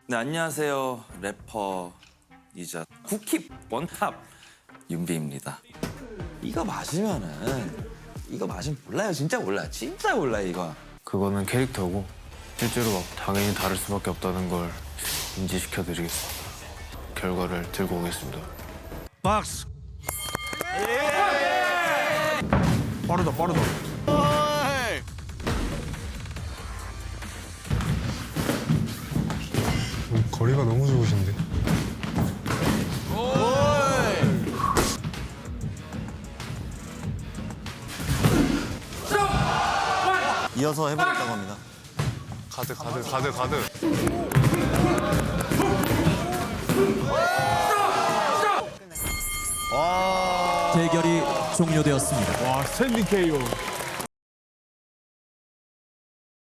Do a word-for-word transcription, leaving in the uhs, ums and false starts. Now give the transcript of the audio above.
네, 안녕하세요. 래퍼이자 쿠키 원탑 윤비입니다. 이거 맞으면은 이거 맞으면 몰라요. 진짜 몰라요. 진짜 몰라요, 이거. 그거는 캐릭터고 실제로 막 당연히 다를 수밖에 없다는 걸 인지시켜드리겠습니다. 결과를 들고 오겠습니다. 박스. 빠르다 빠르다. 거리가 너무 좋으신데. 이어서 해보겠다고 합니다. 가드 가드 가드 가드. 대결이 종료되었습니다. 와 스탠딩 케이오.